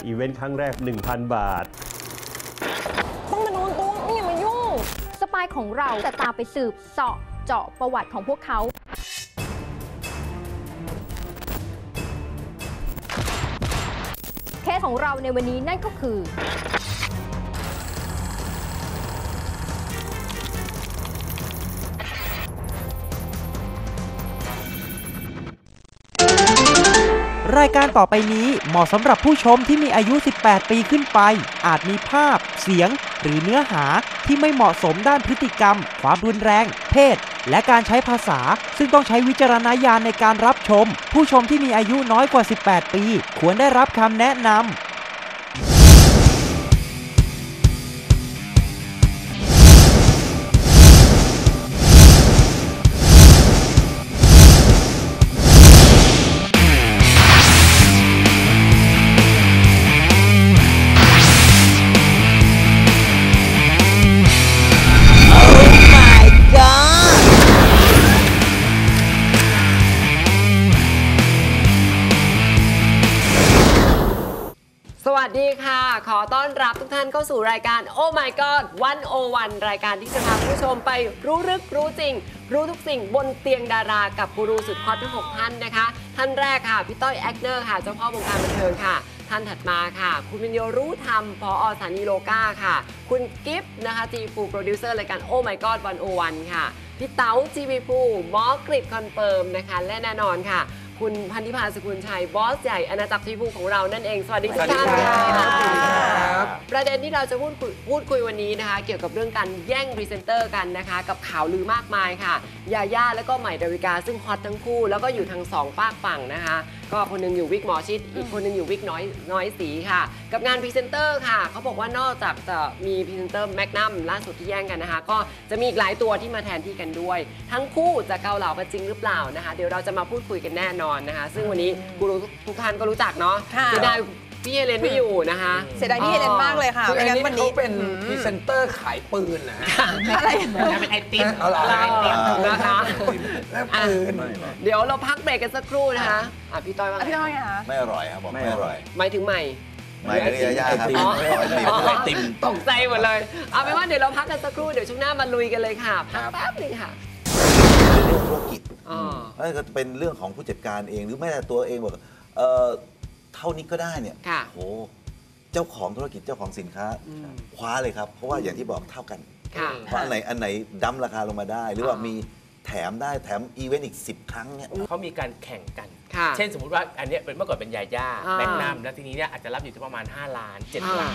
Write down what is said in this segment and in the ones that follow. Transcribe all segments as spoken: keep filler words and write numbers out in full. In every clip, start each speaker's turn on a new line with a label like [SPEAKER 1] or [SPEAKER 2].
[SPEAKER 1] อีเวนต์ครั้งแรก หนึ่งพัน บาท
[SPEAKER 2] ต้องมาโดนตัวไม่อย่ามายุ่งสปายของเราจะตามไปสืบเสาะเจาะประวัติของพวกเขาเคสของเราในวันนี้นั่นก็คือ
[SPEAKER 3] รายการต่อไปนี้เหมาะสำหรับผู้ชมที่มีอายุสิบแปดปีขึ้นไปอาจมีภาพเสียงหรือเนื้อหาที่ไม่เหมาะสมด้านพฤติกรรมความรุนแรงเพศและการใช้ภาษาซึ่งต้องใช้วิจารณญาณในการรับชมผู้ชมที่มีอายุน้อยกว่าสิบแปดปีควรได้รับคำแนะนำ
[SPEAKER 4] สวัสดีค่ะขอต้อนรับทุกท่านเข้าสู่รายการ Oh My God หนึ่งศูนย์หนึ่ง รายการที่จะพาผู้ชมไปรู้ลึกรู้จริงรู้ทุกสิ่งบนเตียงดารากับกูรูสุดฮอตทั้งหกท่านนะคะท่านแรกค่ะพี่ต้อยแอคเนอร์ค่ะเจ้าพ่อวงการบันเทิงค่ะท่านถัดมาค่ะคุณวิญโยรู้ธรรมผอ.สถานีโลก้าค่ะคุณกิฟต์นะคะจีฟูโปรดิวเซอร์รายการ Oh My God หนึ่งศูนย์หนึ่งค่ะพี่เต๋าจีวีฟูหมอกริดคอนเฟิร์มนะคะและแน่นอนค่ะคุณพันธิพาสกุลชัยบอสใหญ่อาณาจักรทีวีของเรานั่นเองสวัสดีทุกท่านค่ะประเด็นที่เราจะพูดคุยพูดคุยวันนี้นะคะเกี่ยวกับเรื่องการแย่งพรีเซนเตอร์กันนะคะกับข่าวลือมากมายค่ะยาย่าแล้วก็ใหม่ดาวิกาซึ่งฮอตทั้งคู่แล้วก็อยู่ทางสองฝากฝั่งนะคะก็คนนึงอยู่วิกหมอชิดอีกคนนึงอยู่วิกน้อยน้อยสีค่ะกับงานพรีเซนเตอร์ค่ะเขาบอกว่านอกจากจะมีพรีเซนเตอร์แมกนัมล่าสุดที่แย่งกันนะคะก็จะมีอีกหลายตัวที่มาแทนที่กันด้วยทั้งคู่จะเกาเหลากันจริงหรือเปล่านะคะเดี๋ยวเราจะมาพูดคุยกันแน่นอนนะคะซึ่งวันนี้กูรู้ทุกท่านก็รู้จักเนาะจะได้พี่เฮเลนไม่อยู่นะคะ
[SPEAKER 5] เสียดายพี่เฮเลนมากเลยค่ะ
[SPEAKER 6] คืออันนี้เขาเป็นพรีเซนเตอร์ขายปืนนะ
[SPEAKER 5] อะไร
[SPEAKER 6] เป็นไอติมไอติม
[SPEAKER 4] นะคะ
[SPEAKER 6] ปืน
[SPEAKER 4] เดี๋ยวเราพักเบรกกันสักครู่นะคะอ่ะพี่ต้อยว่า
[SPEAKER 5] พี่ต้อยคะ
[SPEAKER 7] ไม่อร่อยครับบอกไม่อร่อย
[SPEAKER 4] หมายถึงใหม่
[SPEAKER 7] ไม่เรียยากครับ
[SPEAKER 4] ไอติมตกใจหมดเลยเอาเป็นว่าเดี๋ยวเราพักกันสักครู่เดี๋ยวช่วงหน้ามาลุยกันเลยค่ะพักแป๊บนึงค่ะ
[SPEAKER 7] เรื่องธุรกิจนั่นก็เป็นเรื่องของผู้จัดการเองหรือแม้แต่ตัวเองบอกเออเท่านี้ก็ได้เนี่ยโอ้เจ้าของธุรกิจเจ้าของสินค้าคว้าเลยครับเพราะว่าอย่างที่บอกเท่ากันเพราะอันไหนอันไหนดั้มราคาลงมาได้หรือว่ามีแถมได้แถมอีเวนต์อีกสิบครั้งเนี่ย
[SPEAKER 6] เขามีการแข่งกันเช่นสมมุติว่าอันนี้เป็นเมื่อก่อนเป็นยาย่าแมกนัมแล้วทีนี้เนี่ยอาจจะรับอยู่ที่ประมาณห้าล้านเจ็ดล้าน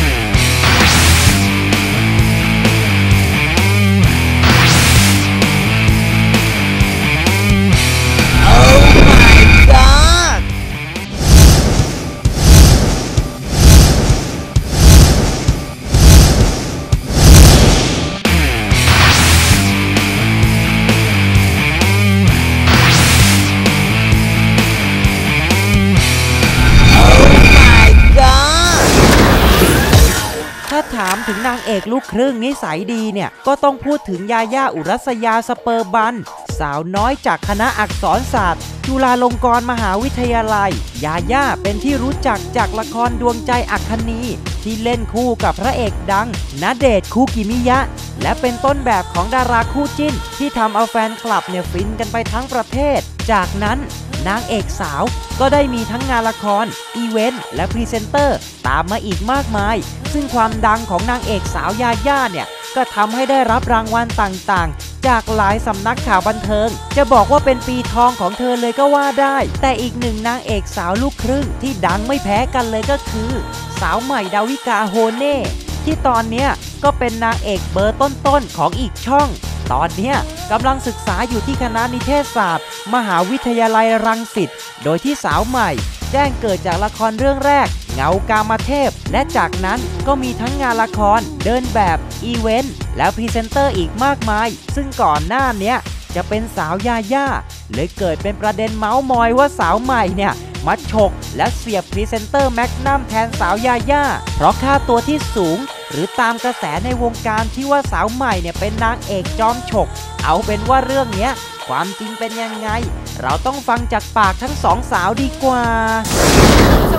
[SPEAKER 3] ถามถึงนางเอกลูกครึ่งนิสัยดีเนี่ยก็ต้องพูดถึงยาย่าอุรัสยาสเปอร์บันสาวน้อยจากคณะอักษรศาสตร์จุฬาลงกรณ์มหาวิทยาลัยยาย่าเป็นที่รู้จักจากละครดวงใจอัคคณีที่เล่นคู่กับพระเอกดังณเดชน์คูกิมิยะและเป็นต้นแบบของดาราคู่จิ้นที่ทำเอาแฟนคลับเนี่ยฟินกันไปทั้งประเทศจากนั้นนางเอกสาวก็ได้มีทั้งงานละครอีเวนต์และพรีเซนเตอร์ตามมาอีกมากมายซึ่งความดังของนางเอกสาวยาย่าเนี่ยก็ทำให้ได้รับรางวัลต่างๆจากหลายสำนักข่าวบันเทิงจะบอกว่าเป็นปีทองของเธอเลยก็ว่าได้แต่อีกหนึ่งนางเอกสาวลูกครึ่งที่ดังไม่แพ้กันเลยก็คือสาวใหม่ดาวิกาโฮเน่ที่ตอนนี้ก็เป็นนางเอกเบอร์ต้นๆของอีกช่องตอนนี้กำลังศึกษาอยู่ที่คณะนิเทศศาสตร์มหาวิทยาลัยรังสิตโดยที่สาวใหม่แจ้งเกิดจากละครเรื่องแรกเงากามเทพและจากนั้นก็มีทั้งงานละครเดินแบบอีเวนต์แล้วพรีเซนเตอร์อีกมากมายซึ่งก่อนหน้านี้จะเป็นสาวยาย่าเลยเกิดเป็นประเด็นเมาส์มอยว่าสาวใหม่เนี่ยมาฉกและเสียบพรีเซนเตอร์แมกนัมแทนสาวยาย่าเพราะค่าตัวที่สูงหรือตามกระแสในวงการที่ว่าสาวใหม่เนี่ยเป็นนางเอกจอมฉกเอาเป็นว่าเรื่องเนี้ยความจริงเป็นยังไงเราต้องฟังจากปากทั้งสองสาวดีกว่า
[SPEAKER 4] ชมกำลังอยู่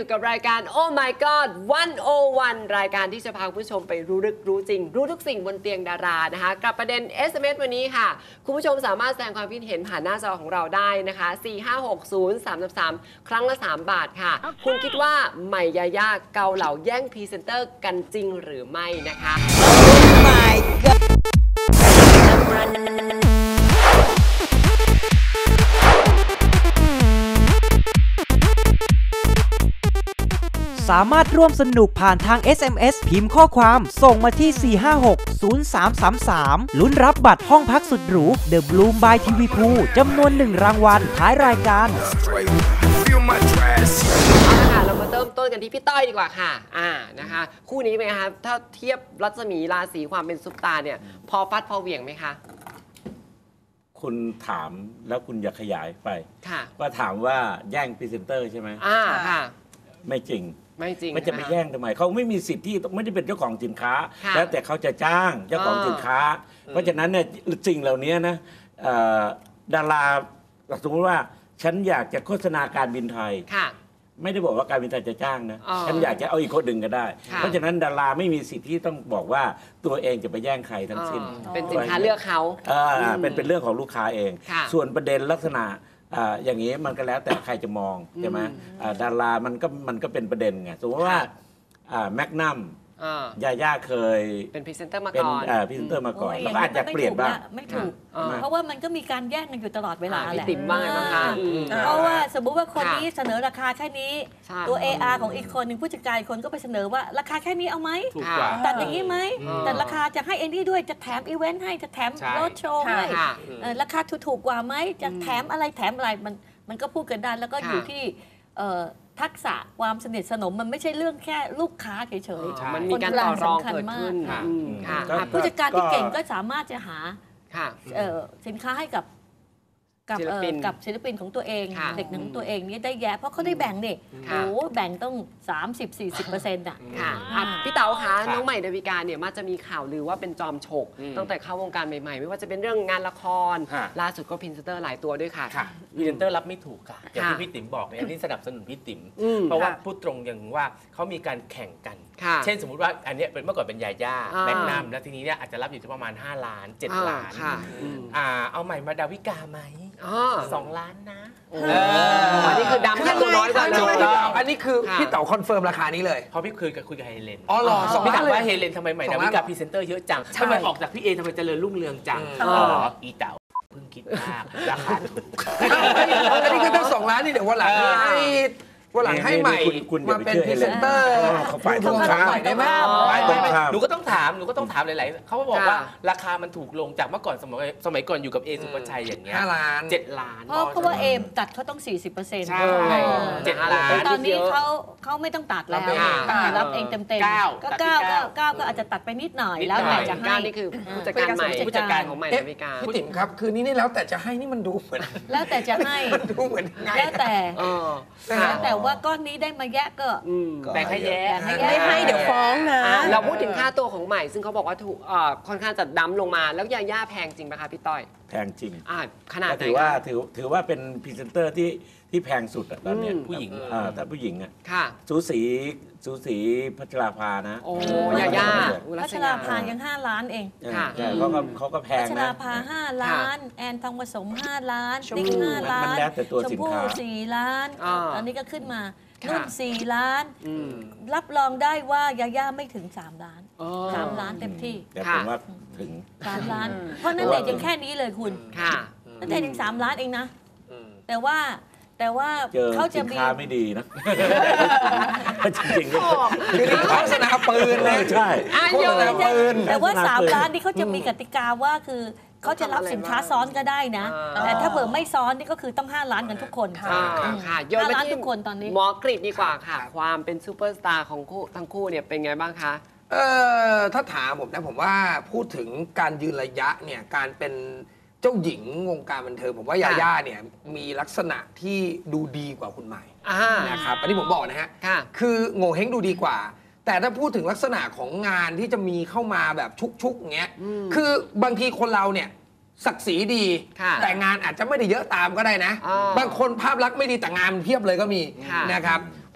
[SPEAKER 4] อยู่กับรายการ Oh My God วัน โอ วัน รายการที่จะพาคุณผู้ชมไปรู้ลึกรู้จริงรู้ทุกสิ่งบนเตียงดารานะคะกับประเด็น เอส เอ็ม เอส วันนี้ค่ะคุณผู้ชมสามารถแสดงความคิดเห็นผ่านหน้าจอของเราได้นะคะสี่ ห้า หก ศูนย์ สาม สาม ครั้งละสามบาทค่ะ okay. คุณคิดว่าใหม่ยาย่าเกาเหลาแย่งพรีเซนเตอร์กันจริงหรือไม่นะคะ
[SPEAKER 3] Oh my god สามารถร่วมสนุกผ่านทาง เอส เอ็ม เอส พิมพ์ข้อความส่งมาที่ สี่ ห้า หก ศูนย์ สาม สาม สาม ลุ้นรับบัตรห้องพักสุดหรู The Bloom by ที วี Pool จำนวนหนึ่งรางวัลท้ายรายการ
[SPEAKER 4] เอาละค่ะเรามาเริ่มต้นกันที่พี่ต้อยดีกว่าค่ะอ่านะคะคู่นี้เป็นไงคะถ้าเทียบรัศมีราศีความเป็นซุปตาเนี่ยพอฟัดพอเหวี่ยงไหมคะ
[SPEAKER 5] คุณถามแล้วคุณอยากขยายไป
[SPEAKER 4] ค่ะ
[SPEAKER 5] ว่าถามว่าแย่งพรีเซนเตอร์ใช่ไหม
[SPEAKER 4] อ่าค่ะ
[SPEAKER 5] ไม่จริง
[SPEAKER 4] ไม่จริง
[SPEAKER 5] มันจะไปแย่งทำไมเขาไม่มีสิทธิ์ที่ไม่ได้เป็นเจ้าของสินค้าแล้วแต่เขาจะจ้างเจ้าของสินค้าเพราะฉะนั้นเนี่ยสิ่งเหล่านี้นะดาราสมมติว่าฉันอยากจะโฆษณาการบินไทยไม่ได้บอกว่าการบินไทยจะจ้างนะฉันอยากจะเอาอีกคนหนึ่งก็ได้เพราะฉะนั้นดาราไม่มีสิทธิ์ที่ต้องบอกว่าตัวเองจะไปแย่งใครทั้งสิ้น
[SPEAKER 4] เป็นสินค้าเลือกเขา
[SPEAKER 5] เป็นเป็นเรื่องของลูกค้าเองส่วนประเด็นลักษณะอย่างนี้มันก็แล้วแต่ใครจะมองใช่ไหมดารามันก็มันก็เป็นประเด็นไงสมมติว่าแมกนัมยาย่าเคย
[SPEAKER 4] เป็นพรีเซนเตอร์มาก่อน
[SPEAKER 5] เป็นพรีเซนเตอร์มาก่อนแล้วก็อาจจะเปลี่ยนบ้าง
[SPEAKER 8] ไม่ถูกเพราะว่ามันก็มีการแย่งกันอยู่ตลอดเวลาแหละ
[SPEAKER 4] ติ่มบ้างนะคะ
[SPEAKER 8] เพราะว่าสมมุติว่าคนนี้เสนอราคาแค่นี้ตัว เอ อาร์ ของอีกคนหนึ่งผู้จัดการคนก็ไปเสนอว่าราคาแค่นี้เอาไหมตัดอย่างนี้ไหมแต่ราคาจะให้เอ็นดี้ด้วยจะแถมอีเวนต์ให้จะแถมรถโชว์ให้ราคาถูกกว่าไหมจะแถมอะไรแถมอะไรมันมันก็พูดกันได้แล้วก็อยู่ที่ทักษะความสนิทสนมมันไม่ใช่เรื่องแค่ลูกค้าเฉย
[SPEAKER 4] ๆมันมีการต่อรองเกิดขึ้น
[SPEAKER 8] ผู้จัดการที่เก่งก็สามารถจะหาสินค้าให้กับกับกับศิลปินของตัวเองเด็กหนังตัวเองนี่ได้แย่เพราะเขาได้แบ่งนี่โอ้แบ่งต้อง สามสิบถึงสี่สิบเปอร์เซ็นต์ อ่ะ
[SPEAKER 4] พี่เต๋าคะน้องใหม่ดาวิกาเนี่ยมักจะมีข่าวลือว่าเป็นจอมฉกตั้งแต่เข้าวงการใหม่ๆไม่ว่าจะเป็นเรื่องงานละครล่าสุดก็พรีเซนเตอร์หลายตัวด้วยค่ะ
[SPEAKER 6] พรีเซนเตอร์รับไม่ถูกค่ะอย่างที่พี่ติ๋มบอกเนี่ยนี่สนับสนุนพี่ติ๋มเพราะว่าพูดตรงอย่างว่าเขามีการแข่งกันเช่นสมมุติว่าอันนี้เป็นเมื่อก่อนเป็นยาย่าแมกนัมแล้วทีนี้เนี่ยอาจจะรับอยู่ที่ประมาณห้าล้านเจ็ดล้านเอาใหม่มาดาวิกาไหมสองล้านนะ
[SPEAKER 4] อันนี้คือดำแค่ตัวน้อยกว่าเลย
[SPEAKER 9] อันนี้คือพี่เต๋าคอนเฟิร์มราคานี้เลย
[SPEAKER 6] เพราะพี่เคยคุยกับเฮเลน
[SPEAKER 9] อ๋อเหรอ
[SPEAKER 6] สองพี่ถามว่าเฮเลนทำไมใหม่ดาวิกาพรีเซนเตอร์เยอะจังทำไมออกจากพี่เอทำไมเจริญรุ่งเรืองจังอีเต๋าเพิ่งคิดมากราคาถูก
[SPEAKER 9] อันนี้คือตั้งสองล้านนี่เดี๋ยววันหลังให้วันหลังให้ใหม่มาเป็นพรีเซนเตอร์
[SPEAKER 5] ฝ่ายตรงข้าม
[SPEAKER 9] ได้ไหม
[SPEAKER 6] หนูก็ต้องถามหนูก็ต้องถามหลายๆเขาบอกว่าราคามันถูกลงจากเมื่อก่อนสมัยสมัยก่อนอยู่กับเอสุภชัยอย่างเงี้ย
[SPEAKER 9] ห้าล้าน
[SPEAKER 6] เจ็ดล้าน
[SPEAKER 8] เพราะว่าเอมตัดเขาต้อง สี่สิบเปอร์เซ็นต์
[SPEAKER 6] ใช่เจ็ดล้าน
[SPEAKER 8] ตอนนี้เขาเขาไม่ต้องตัดแล้วรับเองเต็มๆก็เก้าก็เก้าก็อาจจะตัดไปนิดหน่อยแล้วแต่จะให้
[SPEAKER 4] นี่คือผู้จัดการใหม่ผู้จัดการของใหม่ดาวิกา
[SPEAKER 9] พี่ติ๋มครับคือนี่นี่แล้วแต่จะให้นี่มันดูเหมือน
[SPEAKER 8] แล้วแต่จะให้
[SPEAKER 9] ดูเหมือน
[SPEAKER 8] แล้วแต่แล้วแต่ว่าก้อนนี้ได้มาแยกก็
[SPEAKER 4] แต่ให้แยก
[SPEAKER 8] ไม่ให้เดี๋ยวฟ้องนะ
[SPEAKER 4] เราพูดถึงค่าตัวของใหม่ซึ่งเขาบอกว่าถูกค่อนข้างจะดั้มลงมาแล้วยาย่าแพงจริงไหมคะพี่ต้อย
[SPEAKER 5] แพงจริง
[SPEAKER 4] ขนาดไหน
[SPEAKER 5] ถือว่าถือถือว่าเป็นพรีเซนเตอร์ที่ที่แพงสุดตอนนี้ผู้หญิงแต่ผู้หญิงอ่ะสูสีสูสีพัชราภานะ
[SPEAKER 4] โอ้ยาย่า
[SPEAKER 8] พัชราภายังห้าล้านเอง
[SPEAKER 5] ค่ะเขาก็เขาก็แพงนะ
[SPEAKER 8] พัชราภาห้าล้านแอนทองผสมห้าล้านติ๊กห้าล้านชมพู่สี่ล้านอันนี้ก็ขึ้นมานุ่นสี่ล้านรับรองได้ว่ายาย่าไม่ถึงสามล้านสามล้านเต็มที่
[SPEAKER 5] แต่ผมว่าถึง
[SPEAKER 8] สามล้านเพราะนั่นเด็กยังแค่นี้เลยคุณนั่นเด็กยังสามล้านเองนะแต่ว่าแต่ว่าเขาจะมี
[SPEAKER 5] สินค้าไม่ดีนะจริงๆ
[SPEAKER 9] คือนี่โฆษณาปืนเลย
[SPEAKER 5] ใช่
[SPEAKER 9] โฆษณาปืน
[SPEAKER 8] แต่ว่าสามล้านนี่เขาจะมีกติกาว่าคือเขาจะรับสินค้าซ้อนก็ได้นะแต่ถ้าเผื่อไม่ซ้อนนี่ก็คือต้องห้าล้านกันทุกคน
[SPEAKER 4] ค่ะโยนมาที่ทุกคนตอนนี้หมอกรีดดีกว่าค่ะความเป็นซูเปอร์สตาร์ของคู่ทั้งคู่เนี่ยเป็นไงบ้างคะ
[SPEAKER 9] เออถ้าถามผมนะผมว่าพูดถึงการยืนระยะเนี่ยการเป็นเจ้าหญิงวงการบันเทิงผมว่ายาย่าเนี่ยมีลักษณะที่ดูดีกว่าคุณใหม่นะครับอันนี้ผมบอกนะฮะคือโง่เฮงดูดีกว่าแต่ถ้าพูดถึงลักษณะของงานที่จะมีเข้ามาแบบชุกๆอย่างเงี้ยคือบางทีคนเราเนี่ยศักดิ์ศรีดีแต่งานอาจจะไม่ได้เยอะตามก็ได้นะบางคนภาพลักษณ์ไม่ดีแต่งานเพียบเลยก็มีนะครับผ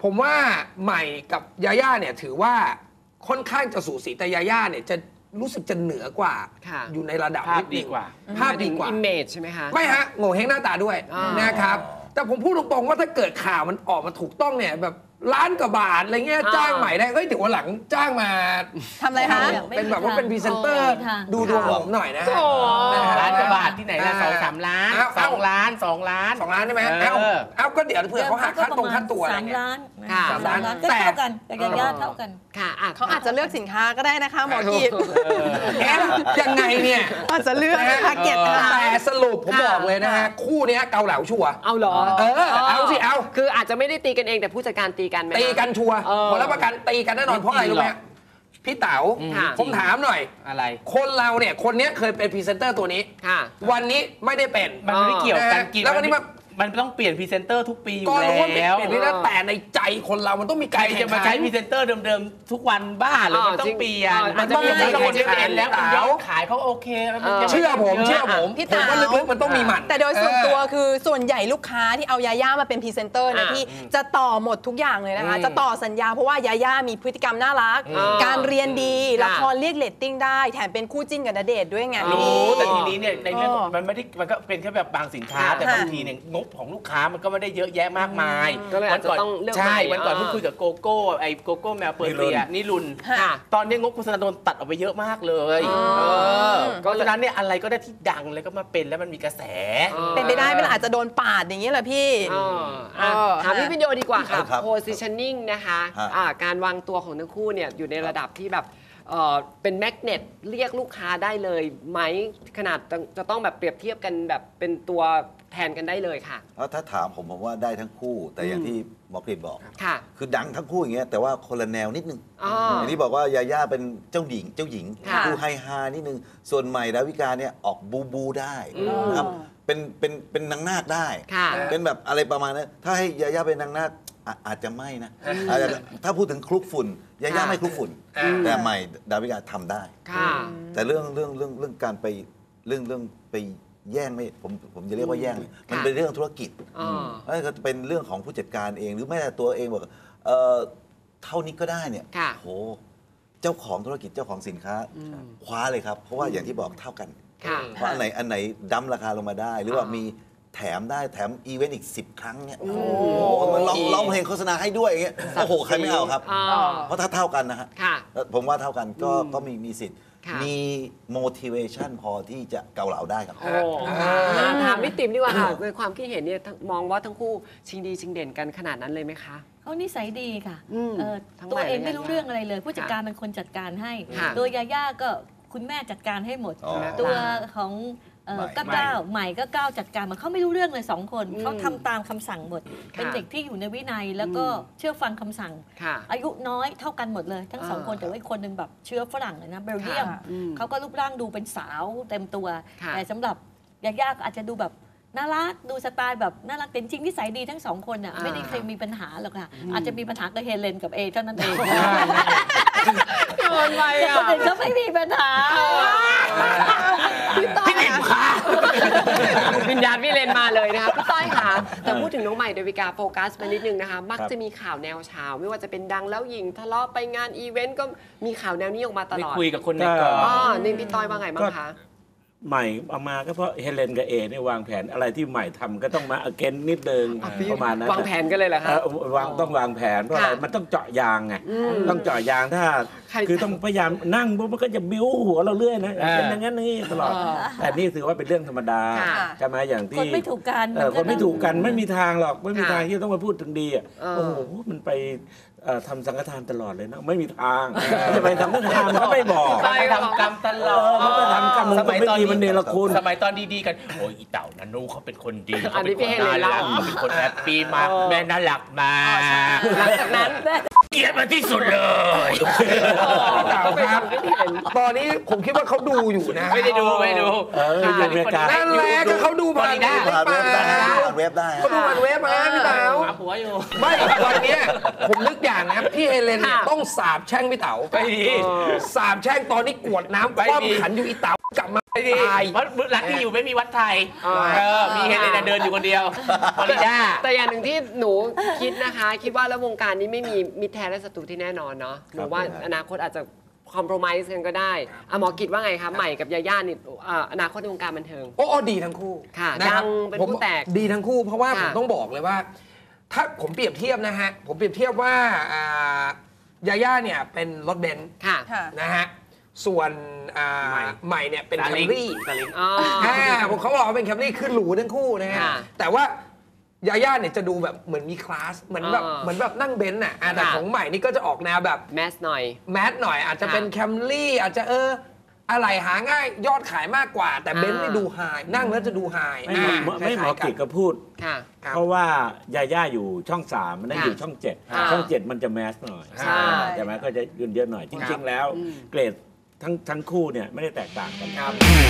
[SPEAKER 9] ผมว่าใหม่กับยาย่าเนี่ยถือว่าค่อนข้างจะสูสีแต่ยาย่าเนี่ยจะรู้สึกจะเหนือกว่าอยู่ในระดับ
[SPEAKER 6] ภาพดีกว่า
[SPEAKER 9] ภาพดีกว่า
[SPEAKER 4] อิมเมจใช่ไหมคะ
[SPEAKER 9] ไม่ฮะโง่เฮงหน้าตาด้วยนะครับแต่ผมพูดตรงๆว่าถ้าเกิดข่าวมันออกมาถูกต้องเนี่ยแบบล้านกว่าบาทอะไรเงี้ยจ้างใหม่ได้เฮ้ยถึงวันหลังจ้างมา
[SPEAKER 10] ทำอะไรคะ
[SPEAKER 9] เป็นแบบว่าเป็นพรีเซนเตอร์ดูดวงผมหน่อยนะ
[SPEAKER 6] ล้านกว่าบาทที่ไหนละสองสามล้านสองล้านสองล้าน
[SPEAKER 9] สองล้านใช่ไหมเอ้าเอ้าก็เดี๋ยวเผื่อเขาหักค่าตรงค่าตัวอะไรเงี้ย
[SPEAKER 8] สามล้าน
[SPEAKER 9] สามล้าน
[SPEAKER 8] ก็เท่ากันกับยาย่าเท่ากัน
[SPEAKER 4] ค่ะ
[SPEAKER 10] เขาอาจจะเลือกสินค้าก็ได้นะคะหมอกีด
[SPEAKER 9] เอ๊ะยังไงเนี่ย
[SPEAKER 10] อาจจะเลือกแพ็กเกจ
[SPEAKER 9] แต่สรุปผมบอกเลยนะฮะคู่นี้เกาเหลาชัวร์
[SPEAKER 4] เอาเหรอ
[SPEAKER 9] เออเอาสิเอา
[SPEAKER 4] คืออาจจะไม่ได้ตีกันเองแต่ผู้จัดการตีกันไหม
[SPEAKER 9] ตีกันชัวร์ผลรับประกันตีกันแน่นอนเพราะอะไรรู้ไหมพี่เต๋าผมถามหน่อย
[SPEAKER 6] อะไร
[SPEAKER 9] คนเราเนี่ยคนนี้เคยเป็นพรีเซนเตอร์ตัวนี้วันนี้ไม่ได้เป็น
[SPEAKER 6] มันไม่เกี่ยวกันกิน
[SPEAKER 9] แล้ววันนี้มา
[SPEAKER 6] มันต้องเปลี่ยนพรีเซนเตอร์ทุกปีอยู่แล้ว
[SPEAKER 9] ก็รู้ว่าเปลี่ยนนี่แล้วแต่ในใจคนเรามันต้องมีการ
[SPEAKER 6] จะมาใช้พรีเซนเตอร์เดิมๆทุกวันบ้าหรือมันต้องเปลี่ยนมันต้องมีคนที่เป็นแล้วมันยอดขายเขาโอเค
[SPEAKER 9] เชื่อผมเชื่อผมผมว่าลึกๆมันต้องมีหมัน
[SPEAKER 10] แต่โดยส่วนตัวคือส่วนใหญ่ลูกค้าที่เอายาย่ามาเป็นพรีเซนเตอร์นะพี่จะต่อหมดทุกอย่างเลยนะคะจะต่อสัญญาเพราะว่ายาย่ามีพฤติกรรมน่ารักการเรียนดีละครเรียกเรตติ้งได้แถมเป็นคู่จิ้นกับณเดชน์ด้วยไง
[SPEAKER 6] รู้แต่ทีนี้เนี่ยในเรื่องมันไม่ได้มันก็เป็นแค่แบบบางสินค้าแต่บางทีเนี่ยงบของลูกค้ามันก็ไม่ได้เยอะแยะมากมาย
[SPEAKER 4] วันก่อน
[SPEAKER 6] ใช่วันก่อนเพิ่งคุยกับโกโก้ไอ้โกโก้แมวเปอร์เซียนิรุนตอนนี้งบโฆษณาโดนตัดออกไปเยอะมากเลยเพราะฉะนั้นเนี่ยอะไรก็ได้ที่ดังเลยก็มาเป็นแล้วมันมีกระแส
[SPEAKER 10] เป็นไปได้มันอาจจะโดนปาดอย่างนี้แหละพี่
[SPEAKER 4] ถามพี่พิญโยดีกว่าค่ะ positioning นะคะการวางตัวของทั้งคู่เนี่ยอยู่ในระดับที่แบบเป็นแมกเนตเรียกลูกค้าได้เลยไหมขนาดจะต้องแบบเปรียบเทียบกันแบบเป็นตัวแทนกันได้เลยค่ะ
[SPEAKER 7] ถ้าถามผมผมว่าได้ทั้งคู่แต่อย่างที่หมอกฤษบอกคือดังทั้งคู่อย่างเงี้ยแต่ว่าคนละแนวนิดนึงอย่างที่บอกว่ายาย่าเป็นเจ้าหญิงเจ้าหญิงดูไฮฮานิดนึงส่วนใหม่ดาวิกาเนี่ยออกบูบูได้นะครับเป็นเป็นเป็นนางนาคได้เป็นแบบอะไรประมาณนั้นถ้าให้ยาย่าเป็นนางนาคอาจจะไม่นะถ้าพูดถึงคลุกฝุ่นยาย่าไม่คลุกฝุ่นแต่ใหม่ดาวิกาทำได้แต่เรื่องเรื่องเรื่องเรื่องการไปเรื่องเรื่องไปแย่งไม่ผมผมจะเรียกว่าแย่งมันเป็นเรื่องธุรกิจนั่นก็เป็นเรื่องของผู้จัดการเองหรือแม้แต่ตัวเองบอกเอ่อเท่านี้ก็ได้เนี่ยโหเจ้าของธุรกิจเจ้าของสินค้าคว้าเลยครับเพราะว่าอย่างที่บอกเท่ากันเพราะอันไหนอันไหนดั้มราคาลงมาได้หรือว่ามีแถมได้แถมอีเวนต์อีกสิบครั้งเนี่ยโอ้โหมันร้องเพลงโฆษณาให้ด้วยอย่างเงี้ยโอ้โหใครไม่เอาครับเพราะถ้าเท่ากันนะฮะผมว่าเท่ากันก็ก็มีมีสิทธิ์มี motivation พอที่จะเกาเหลาได้ครับ
[SPEAKER 4] ถามพี่ติ๋มดีกว่าค่ะในความคิดเห็นเนี่ยมองว่าทั้งคู่ชิงดีชิงเด่นกันขนาดนั้นเลยไหมคะ
[SPEAKER 8] เขานิสัยดีค่ะตัวเองไม่รู้เรื่องอะไรเลยผู้จัดการเป็นคนจัดการให้ตัวยาย่าก็คุณแม่จัดการให้หมดตัวของก็ก้าวใหม่ก็ก้าวจัดการมันเขาไม่รู้เรื่องเลยสองคนเขาทำตามคำสั่งหมดเป็นเด็กที่อยู่ในวินัยแล้วก็เชื่อฟังคำสั่งอายุน้อยเท่ากันหมดเลยทั้งสองคนแต่ว่าอีกคนหนึ่งแบบเชื้อฝรั่งเลยนะเบลเยียมเขาก็รูปร่างดูเป็นสาวเต็มตัวแต่สำหรับยาย่าอาจจะดูแบบน่ารักดูสไตล์แบบน่ารักแต่จริงนิสัยดีทั้งสองคนอ่ะไม่ได้เคยมีปัญหาหรอกค่ะอาจจะมีปัญหากับเฮเลนกับเอเท่านั้นเอง
[SPEAKER 4] โดนไปอ่ะ
[SPEAKER 8] คนอื่นก็ไม่มีปัญหา
[SPEAKER 4] พี่ต้อยค่ะวิญญาณพี่เลนมาเลยนะคะพี่ต้อยค่ะแต่พูดถึงน้องใหม่ดาวิกาโฟกัสไปนิดนึงนะคะมักจะมีข่าวแนวเช้าไม่ว่าจะเป็นดังแล้วหญิงทะเลาะไปงานอีเวนต์ก็มีข่าวแนวนี้ออกมาตลอด
[SPEAKER 6] คุยกับคนในกอง
[SPEAKER 4] อ๋อนี่พี่ต้อยว่าไงบ้างคะ
[SPEAKER 5] ใหม่เอามาก็เพราะเฮเลนกับเอเนี่ยวางแผนอะไรที่ใหม่ทำก็ต้องมาอเกนนิดเดิงประมาณนั้น
[SPEAKER 4] วางแผนกันเลยเหรอคะ
[SPEAKER 5] วางต้องวางแผนเพราะอะไรมันต้องเจาะยางไงต้องเจาะยางถ้าคือต้องพยายามนั่งปุ๊บมันก็จะบิ้วหัวเราเรื่อยนะเป็นอย่างนั้นนี่ตลอดแต่นี่ถือว่าเป็นเรื่องธรรมดาใช่ไหมอย่างที่
[SPEAKER 8] คนไม่ถูกกัน
[SPEAKER 5] คนไม่ถูกกันไม่มีทางหรอกไม่มีทางที่ต้องมาพูดถึงดีอ่ะโอ้โหมันไปทำสังฆทานตลอดเลยนะไม่มีทางจะไปทำสังฆทานเขาไม่บอก
[SPEAKER 6] ไปทำกรรมตลอด
[SPEAKER 5] เขาไปทำกรรมสมัยตอนนี้มันเนรคุณ
[SPEAKER 6] สมัยตอนดีๆกันโอ้ยอีเต่านันนูเขาเป็นคนดีเขาเป็นคนน่ารักเขาเป็นคนแฮปปี้มากแม่น่ารักมา
[SPEAKER 4] หลังจากนั้น
[SPEAKER 6] เกลียดมาที่สุดเลย
[SPEAKER 9] เต่าครับตอนนี้ผมคิดว่าเขาดูอยู่นะ
[SPEAKER 6] ไม่ได้ดูไม่ดู
[SPEAKER 5] อยู่อเมริกา
[SPEAKER 9] นั่นแหละก็เขาดูผ่าน
[SPEAKER 7] เว็บได้
[SPEAKER 9] เขาดูผ่านเว็บมาพี่เต๋า
[SPEAKER 6] หัวอยู่
[SPEAKER 9] ไม่ตอนนี้ผมนึกอย่างนะพี่เฮเลนต้องสาบแช่งพี่เต๋า
[SPEAKER 6] ไปดี
[SPEAKER 9] สาบแช่งตอนนี้กวดน้ำคว่ำขันอยู่อีเต๋ากลับมา
[SPEAKER 6] ดีเพราะรักที่อยู่ไม่มีวัดไทยเออมีเฮเลนเดินอยู่คนเดียวฟลอริดา
[SPEAKER 4] แต่อย่างหนึ่งที่หนูคิดนะคะ คิดว่าแล้ววงการนี้ไม่มีมิตรแท้และศัตรูที่แน่นอนเนาะหนูว่าอนาคตอาจจะคอมโพรไมซ์กันก็ได้อะหมอกิจว่าไงคะใหม่กับยาย่านี่อนาคตในวงการบันเทิง
[SPEAKER 9] โอ้ดีทั้งคู่
[SPEAKER 4] ค่ะดังเป็นผู้แตก
[SPEAKER 9] ดีทั้งคู่เพราะว่าผมต้องบอกเลยว่าถ้าผมเปรียบเทียบนะฮะผมเปรียบเทียบว่ายาย่าเนี่ยเป็นรถเบนซ์นะฮะส่วนใหม่เนี่ยเป็นแคมรี่ผมเขาบอกว่าเป็นแคมรี่คือหรูทั้งคู่นะฮะแต่ว่ายาย่าเนี่ยจะดูแบบเหมือนมีคลาสเหมือนแบบเหมือนแบบนั่งเบนซ์น่ะแต่ของใหม่นี่ก็จะออกแนวแบบ
[SPEAKER 4] แมสหน่อย
[SPEAKER 9] แมสหน่อยอาจจะเป็นแคมรี่อาจจะเอออะไรหาง่ายยอดขายมากกว่าแต่เบนซ์นี่ดูไฮนั่งแล้วจะดูไฮ
[SPEAKER 5] ไม่หมอกิจก็พูดเพราะว่ายาย่าอยู่ช่องสามมันนั่นอยู่ช่องเจ็ดช่องเจ็ดมันจะแมสหน่อยใช่ไหมก็จะยืนเยอะหน่อยจริงๆแล้วเกรดทั้งทั้งคู่เนี่ยไม่ได้แตกต่างกันครับ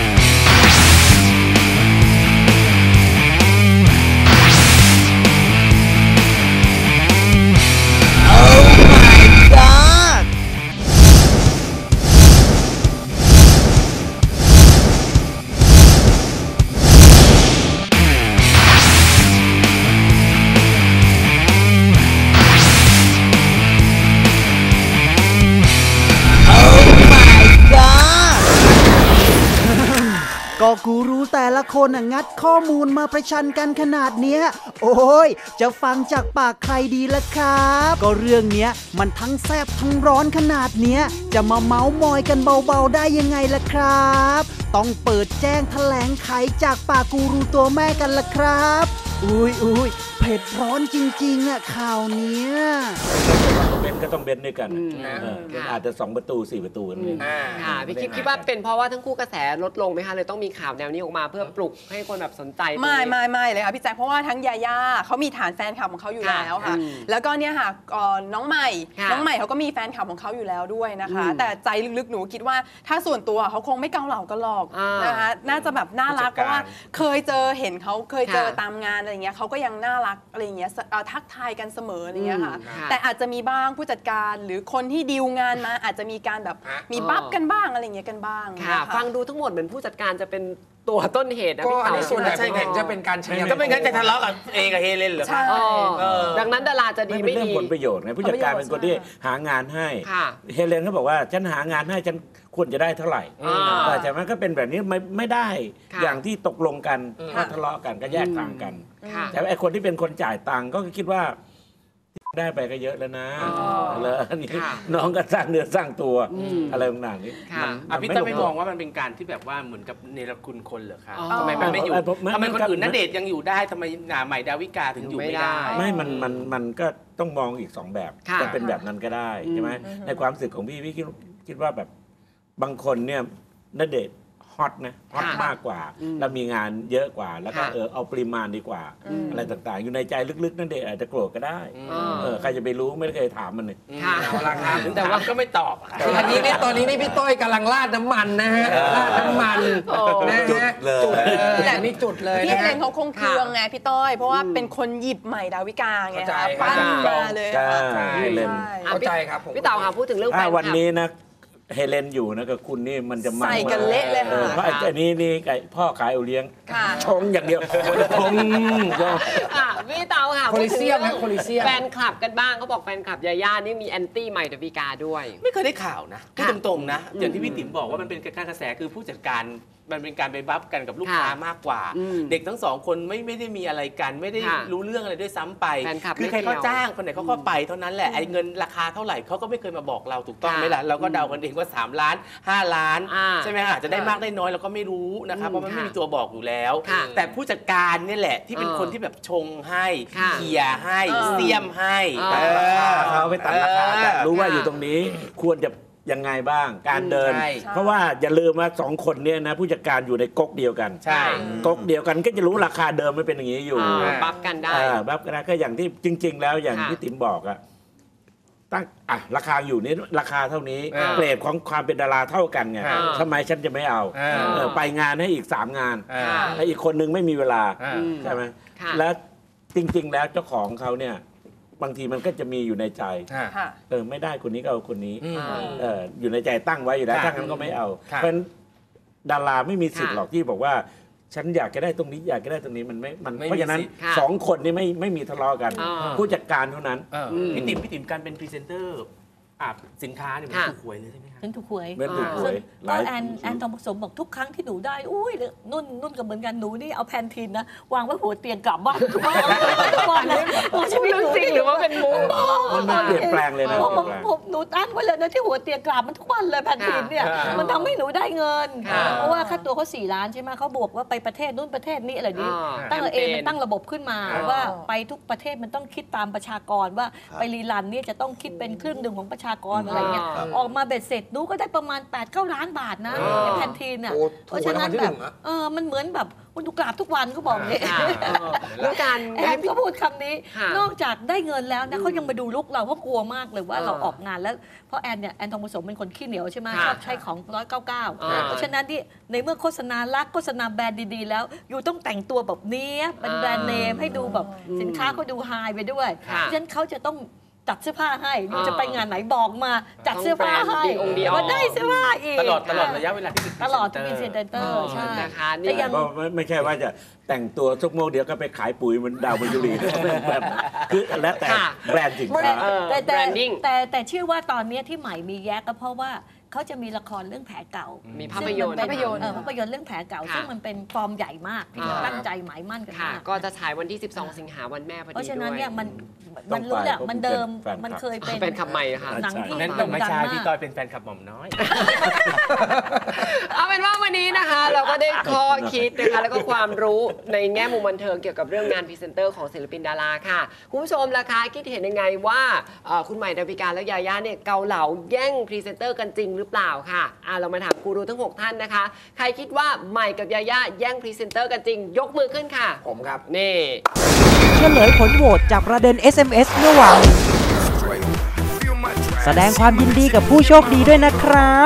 [SPEAKER 11] ก็กูรู้แต่ละคนน่ะงัดข้อมูลมาประชันกันขนาดเนี้ยโอ้ยจะฟังจากปากใครดีล่ะครับก็เรื่องเนี้ยมันทั้งแซ่บทั้งร้อนขนาดเนี้ยจะมาเมาส์มอยกันเบาๆได้ยังไงล่ะครับต้องเปิดแจ้งแถลงไขจากปากกูรูตัวแม่กันล่ะครับอุ้ยอุ้ยเผ็ดร้อนจริงๆอ่ะข่าวเนี้ย
[SPEAKER 5] เบนก็ต้องเบนด้วยกันอาจจะสองประตูสี่ประตูกันเลย
[SPEAKER 4] ค่ะพี่คิดคิดว่าเป็นเพราะว่าทั้งคู่กระแสลดลงไหมคะเลยต้องมีข่าวแนวนี้ออกมาเพื่อปลุกให้คนแบบสนใจ
[SPEAKER 10] ไม่ไม่ไม่เลยค่ะพี่แจ๊คเพราะว่าทั้งยาย่าเขามีฐานแฟนคลับของเขาอยู่แล้วค่ะแล้วก็เนี่ยค่ะน้องใหม่น้องใหม่เขาก็มีแฟนคลับของเขาอยู่แล้วด้วยนะคะแต่ใจลึกๆหนูคิดว่าถ้าส่วนตัวเขาคงไม่เกาเหลากันหรอกนะคะน่าจะแบบน่ารักเพราะว่าเคยเจอเห็นเขาเคยเจอตามงานอะไรเงี้ยเขาก็ยังน่ารักอะไรเงี้ยทักทายกันเสมออะไรเงี้ยค่ะแต่อาจจะมีบ้างผู้จัดการหรือคนที่ดีลงานมาอาจจะมีการแบบมีบัฟกันบ้างอะไรเงี้ยกันบ้าง
[SPEAKER 4] ค่ะฟังดูทั้งหมดเหมือนผู้จัดการจะเป็นตัวต้นเหตุนะ
[SPEAKER 9] พี่
[SPEAKER 4] เต๋า
[SPEAKER 9] ส่วนใหญ่ผมเห็นจะเป็นการใช้
[SPEAKER 6] ก็เป็นการจะทะเลาะกับเอกับเฮเลนเหรอ
[SPEAKER 10] ใช่
[SPEAKER 4] ดังนั้นดาราจะดีไม่ดี
[SPEAKER 5] เรื่องผลประโยชน์ไงผู้จัดการเป็นคนที่หางานให้เฮเลนเขาบอกว่าฉันหางานให้ฉันควรจะได้เท่าไหร่แต่มันก็เป็นแบบนี้ไม่ไม่ได้อย่างที่ตกลงกันก็ทะเลาะกันก็แยกทางกันแต่ไอ้คนที่เป็นคนจ่ายตังค์ก็คิดว่าได้ไปก็เยอะแล้วนะแล้วนี่น้องก็สร้างเนื้อสร้างตัวอะไรต่างๆนี้
[SPEAKER 6] พี่ต้นไม่มองว่ามันเป็นการที่แบบว่าเหมือนกับเนรคุณคนเหรอคะทำไมมันไม่อยู่ทำไมคนอื่นณเดชน์ยังอยู่ได้ทำไมใหม่ดาวิกาถึงอยู่ไม่ได้
[SPEAKER 5] ไม่มันมันมันก็ต้องมองอีกสองแบบจะเป็นแบบนั้นก็ได้ใช่ไหมในความรู้สึกของพี่พี่คิดคิดว่าแบบบางคนเนี่ยณเดชน์ฮอตนะฮอตมากกว่าแล้วมีงานเยอะกว่าแล้วก็เออเอาปริมาณดีกว่าอะไรต่างๆอยู่ในใจลึกๆนั่นเด็กอาจจะโกรธก็ได้เออใครจะไปรู้ไม่เคยถามมันเลย
[SPEAKER 6] แต่ว่าก็ไม่ตอบ
[SPEAKER 9] คืออันนี้นี่ตอนนี้นี่พี่ต้อยกำลังราดน้ำมันนะฮะราดน้ำมันนะฮะจุดเลยแต่นี่จุดเลย
[SPEAKER 10] พี่เอเลนเขาคงเคืองไงพี่ต้อยเพราะว่าเป็นคนหยิบใหม่ดาวิกาไงคะปั้นมาเลย
[SPEAKER 9] เข้าใจครับ
[SPEAKER 4] พี่เต๋าค่ะพูดถึงเรื่องแฟนคลับ
[SPEAKER 5] วันนี้นะเฮเลนอยู่นะกับคุณนี่มันจะ
[SPEAKER 10] มันใส่กันเละเลยค่ะ
[SPEAKER 5] เพราะอันนี้นี่ไก่พ่อขายเอาเลี้ยงชงอย่างเดียวชง
[SPEAKER 4] พี่เต๋าค่ะ
[SPEAKER 9] โคลิเซียมนะโคลิเซียม
[SPEAKER 4] แฟนคลับกันบ้างเขาบอกแฟนคลับยาย่านี่มีแอนตี้ใหม่ดาวิกาด้วย
[SPEAKER 6] ไม่เคยได้ข่าวนะพูดตรงๆนะอย่างที่พี่ติ๋มบอกว่ามันเป็นการกระแสคือผู้จัดการมันเป็นการไปบัฟกันกับลูกค้ามากกว่าเด็กทั้งสองคนไม่ไม่ได้มีอะไรกันไม่ได้รู้เรื่องอะไรด้วยซ้ำไปคือใครเขาจ้างคนไหนเขาก็ไปเท่านั้นแหละไอ้เงินราคาเท่าไหร่เขาก็ไม่เคยมาบอกเราถูกต้องไหมล่ะเราก็เดากันเองว่าสามล้านห้าล้านใช่ไหมคะจะได้มากได้น้อยเราก็ไม่รู้นะครับเพราะมันไม่มีตัวบอกอยู่แล้วแต่ผู้จัดการนี่แหละที่เป็นคนที่แบบชงให้เขี่ยให้เสียมให้
[SPEAKER 5] เขาไปตัดราคาอยากรู้ว่าอยู่ตรงนี้ควรจะยังไงบ้างการเดินเพราะว่าอย่าลืมว่าสองคนเนี่ยนะผู้จัดการอยู่ในก๊กเดียวกัน
[SPEAKER 6] ใช่
[SPEAKER 5] ก๊กเดียวกันก็จะรู้ราคาเดิมไม่เป็นอย่างนี้อยู่
[SPEAKER 4] บัฟกันได้
[SPEAKER 5] บัฟกันได้ก็อย่างที่จริงๆแล้วอย่างที่ติ๋มบอกอะตั้งอ่ะราคาอยู่นี้ราคาเท่านี้เกรดของความเป็นดาราเท่ากันไงทำไมฉันจะไม่เอาไปงานให้อีกสามงานแล้วอีกคนนึงไม่มีเวลาใช่ไหมแล้วจริงๆแล้วเจ้าของเขาเนี่ยบางทีมันก็จะมีอยู่ในใจเออไม่ได้คนนี้ก็เอาคนนี้เอออยู่ในใจตั้งไว้อยู่แล้วถ้างั้นก็ไม่เอาเพราะฉะนั้นดาราไม่มีสิทธิ์
[SPEAKER 4] ค่ะ
[SPEAKER 5] หรอกที่บอกว่าฉันอยากจะได้ตรงนี้อยากจะได้ตรงนี้มันไม่มัน
[SPEAKER 6] ไม่มี
[SPEAKER 5] เพราะฉะนั้น
[SPEAKER 6] สิทธิ์ค่ะ
[SPEAKER 5] สองคนนี้ไม่ไม่มีทะเลาะกัน
[SPEAKER 4] อ่า
[SPEAKER 5] ผู้จัดการเท่านั้น
[SPEAKER 6] เออพี่ติ๋มพี่ติ๋มการเป็นพรีเซนเตอร์อ่ะสินค้าเนี่ยมัน
[SPEAKER 4] ค่ะ
[SPEAKER 6] ถูกหวยเลยใช่ไหมคะ
[SPEAKER 8] ฉันถูกหวย
[SPEAKER 5] เป็นถูกหวย
[SPEAKER 8] ซึ่งก็แอนแอนทองผสมบอกทุกครั้งที่หนูได้อุ้ยนุ่นนุ่นก็เหมือนกันหนูนี่เอาแพนทีนนะวางไว้หัวเตียงกลับบ้านทุกวันนะชีวิตหนู
[SPEAKER 4] จริงหรือว่าเป็นมุก
[SPEAKER 5] มันเปลี่ยนแปลงเลยนะ
[SPEAKER 8] ผม
[SPEAKER 5] เปลี่ยนแปลง
[SPEAKER 8] ผมหนูตั้งไว้เลยนะที่หัวเตียงกลับมันทุกวันเลยแพนทีนเนี่ย
[SPEAKER 6] ค่ะ
[SPEAKER 8] มันทำให้หนูได้เงิน
[SPEAKER 4] ค่ะ
[SPEAKER 8] เพราะว่าค่าตัวเขาสี่ล้านใช่ไหมเขาบวกว่าไปประเทศนู่นประเทศนี้อะไรนี้
[SPEAKER 4] อ่า
[SPEAKER 8] ตั้งเอง
[SPEAKER 4] แคมเปญ
[SPEAKER 8] มันตั้งระบบขึ้นมา
[SPEAKER 4] อ่า
[SPEAKER 8] ว่าไปทุกประเทศมันต้องคิดตามประชากรว่าไปรีลันเนี่ยจะต้องคิดเป็นครึ่งหนึ่งของประชากรอะไรเงี้ย
[SPEAKER 4] อ่า
[SPEAKER 8] ออกมาเบ็ดเสร็จหนูก็ได้ประมาณแปดเก้าล้านบาทนะ
[SPEAKER 4] อ่า
[SPEAKER 8] ในแพนทีนอ่ะ
[SPEAKER 9] โอ้
[SPEAKER 8] เพราะฉะนั้น
[SPEAKER 9] ถูกรางวัลที่
[SPEAKER 8] แบ
[SPEAKER 9] หนึ่
[SPEAKER 8] บ
[SPEAKER 9] งอะ
[SPEAKER 8] เออมันเหมือนแบบวันดูกราบทุกวันก็บอกเนี่ย
[SPEAKER 4] ค่ะเออแล้วการ
[SPEAKER 8] แอนก็พูดคำนี้
[SPEAKER 4] ค่ะ
[SPEAKER 8] นอกจากได้เงินแล้วนะเขายังมาดูลุกเราเพราะกลัวมากเลยว่า
[SPEAKER 4] เออ
[SPEAKER 8] เราออกงานแล้วเพราะแอนเนี่ยแอนทองผสมเป็นคนขี้เหนียวใช่ไหม
[SPEAKER 4] ค่ะ
[SPEAKER 8] ชอบใช้ของร้อยเก้าเก้า
[SPEAKER 4] อ่า
[SPEAKER 8] เพราะฉะนั้นที่ในเมื่อโฆษณารักโฆษณาแบรนด์ดีๆแล้วอยู่ต้องแต่งตัวแบบนี้เป็นแบรนด์เนมให้ดูแบบสินค้าเขาดูไฮไปด้วย
[SPEAKER 4] ค่ะ
[SPEAKER 8] เพราะฉะนั้นเขาจะต้องจัดเสื้อผ้าให้
[SPEAKER 4] อ่า
[SPEAKER 8] จะไปงานไหนบอกมาจัดเสื้อผ้าให้
[SPEAKER 4] ต้องแบรนด์ดีองค์ดี
[SPEAKER 8] ว่าได้เสื้อผ้าอีก
[SPEAKER 6] ตลอดตลอดระยะเวลาที่เป็น
[SPEAKER 8] ตลอดที่เป็นเซนเตอร์ใช่
[SPEAKER 4] นะคะนี่
[SPEAKER 8] แต่ยัง
[SPEAKER 5] ก็ไม่ไม่ใช่ว่าจะแต่งตัวทุกโมงเดียวก็ไปขายปุ๋ยเหมันดาวมยุรีแบบคือแล้วแต่
[SPEAKER 4] ค่ะ
[SPEAKER 5] แบรนด์สินค้า
[SPEAKER 4] เออ
[SPEAKER 8] แต่แต่
[SPEAKER 4] branding
[SPEAKER 8] แต่แต่เชื่อว่าตอนเนี้ยที่ใหม่มีแยกก็เพราะว่าเขาจะมีละครเรื่องแผลเก่า
[SPEAKER 4] มี
[SPEAKER 8] มี
[SPEAKER 4] ภาพยนตร์
[SPEAKER 8] ภาพยนตร์เออภาพยนตร์เรื่องแผลเก่า
[SPEAKER 4] ค่ะ
[SPEAKER 8] ซึ่งมันเป็นฟอร์มใหญ่มากที่
[SPEAKER 4] อ่า
[SPEAKER 8] ตั้งใจหมายมั่นกัน
[SPEAKER 4] ค่ะ
[SPEAKER 8] มาก
[SPEAKER 4] ก็จะฉายวันที่ สิบสอง สิงหาวันแม่พอดี
[SPEAKER 8] เพราะฉะนั้น
[SPEAKER 4] ด้วย
[SPEAKER 8] เนี่ยมัน
[SPEAKER 5] ต้
[SPEAKER 8] มั
[SPEAKER 5] อน ง
[SPEAKER 8] รู้แหละ
[SPEAKER 5] ไป
[SPEAKER 8] มันเดิม
[SPEAKER 5] เพราะเป็นแฟนคลับ
[SPEAKER 8] มันเคยเป็น
[SPEAKER 4] เป็นคำใหม่นะคะ
[SPEAKER 8] หนังที่
[SPEAKER 6] นั่น
[SPEAKER 8] โด่
[SPEAKER 6] ต้อง
[SPEAKER 8] ง
[SPEAKER 6] ไม่
[SPEAKER 8] ดัง
[SPEAKER 6] ใช่
[SPEAKER 8] มา
[SPEAKER 6] พี่
[SPEAKER 8] ก
[SPEAKER 6] ต้อยเป็นแฟนคลับหม่อมน้อย
[SPEAKER 4] เอาเป็นว่าวันนี้นะคะ เราก็ได้ข้อคิดนะคะแล้วก็ความรู้ในแง่มุมบันเทิงเกี่ยวกับเรื่องงานพรีเซนเตอร์ของศิลปินดาราค่ะคุณผู้ชมล่ะคะคิดเห็นยังไงว่าเอ่อคุณใหม่ดาวิกาและยาย่าเนี่ยเกาเหลาแย่งพรีเซนเตอร์กันจริงหรือเปล่าค่ะอ่ะเรามาถามกูรูทั้งหกท่านนะคะใครคิดว่าใหม่กับยาย่าแย่งพรีเซนเตอร์กันจริงยกมือขึ้นค่ะ
[SPEAKER 9] ผมครับ
[SPEAKER 4] นี่
[SPEAKER 3] เฉลยผลโหวตจากประเด็น เอส เอ็ม เอส เมื่อวานแสดงความยินดีกับผู้โชคดีด้วยนะครับ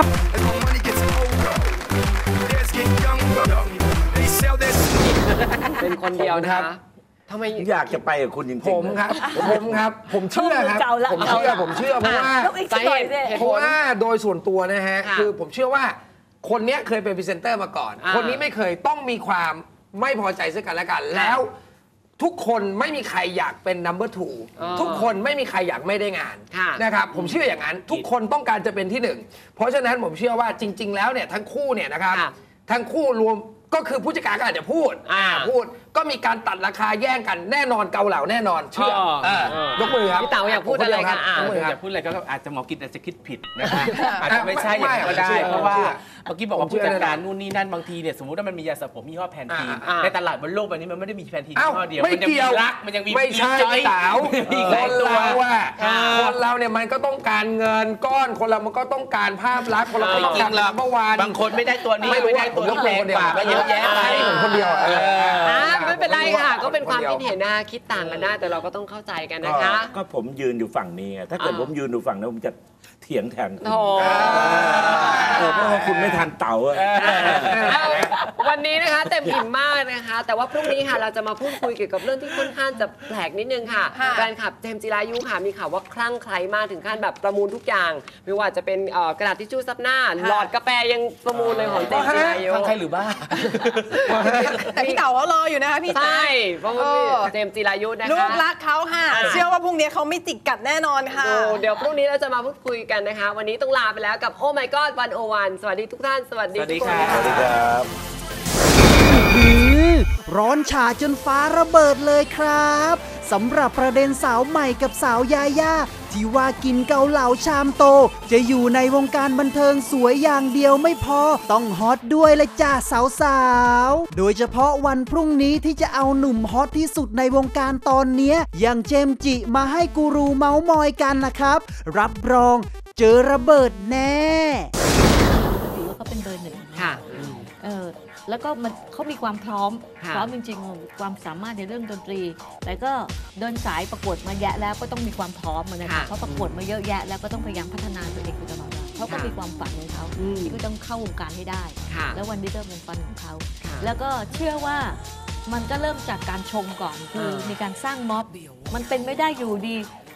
[SPEAKER 4] เป็นคนเดียวนะคะทำไม
[SPEAKER 5] อยากจะไปกับคุณจริงๆ
[SPEAKER 9] ผมครับ ผมครับ ผมเชื่อครับ
[SPEAKER 8] เก่าละ
[SPEAKER 9] ผมเชื่อ
[SPEAKER 8] เก่าละ
[SPEAKER 9] ผมเชื่อเพราะว่า
[SPEAKER 8] แล้วอีกสักหน่อยสิ
[SPEAKER 4] เหตุ
[SPEAKER 9] เพ
[SPEAKER 4] ผ
[SPEAKER 9] ราะ
[SPEAKER 4] ล
[SPEAKER 9] ว่าโดยส่วนตัวนะฮะ
[SPEAKER 4] ค่ะ
[SPEAKER 9] คือผมเชื่อว่าคนเนี้ยเคยเป็นพรีเซนเตอร์มาก่อน
[SPEAKER 4] อ่า
[SPEAKER 9] คนนี้ไม่เคยต้องมีความไม่พอใจซึ่งกันและกัน แล้วทุกคนไม่มีใครอยากเป็น number two
[SPEAKER 4] อ๋อ
[SPEAKER 9] ทุกคนไม่มีใครอยากไม่ได้งาน
[SPEAKER 4] ค่ะ
[SPEAKER 9] นะครับผมเชื่ออย่างนั้น ทุกคนต้องการจะเป็นที่หนึ่งเพราะฉะนั้นผมเชื่อว่าจริง ๆ แล้วเนี่ยทั้งคู่เนี่ยนะครับ
[SPEAKER 4] ค่ะ
[SPEAKER 9] ทั้งคู่รวมก็คือผู้จัดการก็อาจจะพูด
[SPEAKER 4] อ่า
[SPEAKER 9] พูดก็มีการตัดราคาแย่งกันแน่นอนเกาเหลาแน่นอนเชื่อ
[SPEAKER 4] อ๋อ
[SPEAKER 9] เออ
[SPEAKER 4] เออย
[SPEAKER 9] กมือครับ
[SPEAKER 4] พี่เต๋าอยากพูดอะไรคะอ่า
[SPEAKER 9] ยกมือค
[SPEAKER 6] อ
[SPEAKER 9] รับ
[SPEAKER 6] ย่าพูดอะไรก็อาจจะหมอกิจอาจจะคิดผิดนะครับอาจจะไม่ใช่
[SPEAKER 9] ไม่
[SPEAKER 6] อย่างนั้นก็ได้
[SPEAKER 9] ไม่
[SPEAKER 6] เพราะว่า
[SPEAKER 9] เชื่อ
[SPEAKER 6] เมื่อกี้บอกว่า
[SPEAKER 9] ผมเชื่
[SPEAKER 6] ผู้
[SPEAKER 9] อ
[SPEAKER 6] จัดการ
[SPEAKER 9] แน่นอน
[SPEAKER 6] นู่นนี่นั่นบางทีเนี่ยสมมติว่ามันมียาสระผมยี่ห้อแพนทีน
[SPEAKER 9] อ่า
[SPEAKER 6] ในตลาดบนโลกใบนี้มันไม่ได้มีแพนทีน
[SPEAKER 9] เอ้า
[SPEAKER 6] ยี่ห้อเดียว
[SPEAKER 9] ไม่
[SPEAKER 6] มันยังมี
[SPEAKER 9] เกี่ยว
[SPEAKER 6] รักมันยังมี
[SPEAKER 9] ไม่ใช่
[SPEAKER 6] จอย
[SPEAKER 9] สาว
[SPEAKER 6] มี
[SPEAKER 9] ค
[SPEAKER 6] หลาย
[SPEAKER 9] น
[SPEAKER 6] ตัว
[SPEAKER 9] เราอะ
[SPEAKER 6] อ่า
[SPEAKER 9] คนเราเนี่ยมันก็ต้องการเงินก้อนคนเรามันก็ต้องการภาพลักษณ์คนเราก็
[SPEAKER 6] ไม่
[SPEAKER 9] ต้อง
[SPEAKER 6] จริ
[SPEAKER 9] การ
[SPEAKER 6] งหรอก
[SPEAKER 9] เมื่อวาน
[SPEAKER 6] บางคนไม่ได้ตัวนี้
[SPEAKER 9] ไม่รู้
[SPEAKER 6] ไม่ได้ตัว
[SPEAKER 9] ผมย
[SPEAKER 6] ที่
[SPEAKER 9] กมื
[SPEAKER 6] แร
[SPEAKER 9] อง คนเดียว
[SPEAKER 6] กว่าก็เยอะแยะไป
[SPEAKER 9] ให้ผมคนเดียวเออ
[SPEAKER 4] อ่าไม่เป็นไรค่ะ ก็เป็นความคิดเห็นนะคิดต่างกันได้แต่เราก็ต้องเข้าใจกัน
[SPEAKER 5] ก็
[SPEAKER 4] นะคะ
[SPEAKER 5] ก็ผมยืนอยู่ฝั่งนี้ไงถ้าเกิด
[SPEAKER 4] อ่า
[SPEAKER 5] ผมยืนอยู่ฝั่งนั้นผมจะเถียงแทนคุณ
[SPEAKER 4] โถ่
[SPEAKER 5] เออเพราะว่าคุณไม่ทันเต่าอะ
[SPEAKER 4] เอาวันนี้นะคะเต็มอิ่มมากนะคะ แต่ว่าพรุ่งนี้ค่ะเราจะมาพูดคุยเกี่ยวกับเรื่องที่ค่อนข้างจะแปลกนิดนึงค่ะ
[SPEAKER 10] ค่ะ
[SPEAKER 4] แฟนคลับเจมส์จิรายุค่ะมีข่าวว่าคลั่งไคล้มากถึงขั้นแบบประมูลทุกอย่างไม่ว่าจะเป็นเอ่อกระดาษทิชชู่ซับหน้าหลอดกาแฟยังประมูลเลยของเจมส์จิรายุ
[SPEAKER 6] ทางใครหรือบ้า
[SPEAKER 10] แต่พี่เต๋าเขารออยู่นะคะพี่
[SPEAKER 4] ใช่
[SPEAKER 10] แจ๊ค
[SPEAKER 4] เพราะว่าเจมส์จิรายุนะคะ
[SPEAKER 10] ลูกรักเขาค่ะ
[SPEAKER 4] อ่า
[SPEAKER 10] เชื่อว่าพรุ่งนี้เขาไม่จิกกัดแน่นอนค่ะ
[SPEAKER 4] ดูเดี๋ยวพรุ่งนี้เราจะมาพูดคุยกันนะคะ วันนี้ต้องลาไปแล้วกับโอ้ my god วันโอวันสวัสดีทุกท่าน สวัสดี
[SPEAKER 6] สวัสดี
[SPEAKER 4] ทุกคน
[SPEAKER 6] ครับ
[SPEAKER 5] สวัสดีครับ
[SPEAKER 11] อือร้อนฉาจนฟ้าระเบิดเลยครับสำหรับประเด็นสาวใหม่กับสาวยาย่าที่ว่ากินเกาเหลาชามโต จะอยู่ในวงการบันเทิงสวยอย่างเดียวไม่พอ ต้องฮอตด้วยเลยจ้าสาวๆโดยเฉพาะวันพรุ่งนี้ที่จะเอาหนุ่มฮอตที่สุดในวงการตอนเนี้ยอย่างเจมส์จิมาให้กูรูเมาส์มอยกันนะครับ รับรองเจอระเบิดแน่
[SPEAKER 8] ถือว่าเขาเป็นเบอร์หนึ่ง
[SPEAKER 4] ค่ะ
[SPEAKER 8] เออแล้วก็มันเขามีความพร้อม
[SPEAKER 4] ค่ะ
[SPEAKER 8] พร้อมจริงๆ ความสามารถในเรื่องดนตรี แต่ก็เดินสายประกวดมาแยะแล้วก็ต้องมีความพร้อมอะนะคะเขาประกวดมาเยอะแยะแล้วก็ต้องพยายามพัฒนาตัวเองอยู่ตลอดเวลาเขาก็มีความฝันของเขา
[SPEAKER 4] อืม
[SPEAKER 8] ที่ก็ต้องเข้าวงการให้ได้
[SPEAKER 4] ค่ะ
[SPEAKER 8] แล้ววันนี้ก็เป็นฝันของเขา
[SPEAKER 4] ค่ะ
[SPEAKER 8] แล้วก็เชื่อว่ามันก็เริ่มจากการชมก่อนคือ
[SPEAKER 4] เออ
[SPEAKER 8] มีการสร้างม็อบ มันเป็นไม่ได้อยู่ดี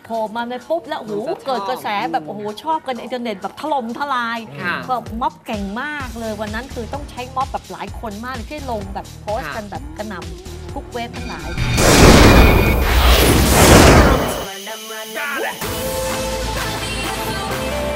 [SPEAKER 8] โผล่มาในปุ๊บแล้วโอ้โหเกิดกระแสแบบโอ้โหชอบกันอินเทอร์เน็ตแบบถล่มทลายก็ม็อบเก่งมากเลยวันนั้นคือต้องใช้ม็อบแบบหลายคนมากเลยที่ลงแบบโพสต์กันแบบกระหน่ำทุกเว็บทั้งหลาย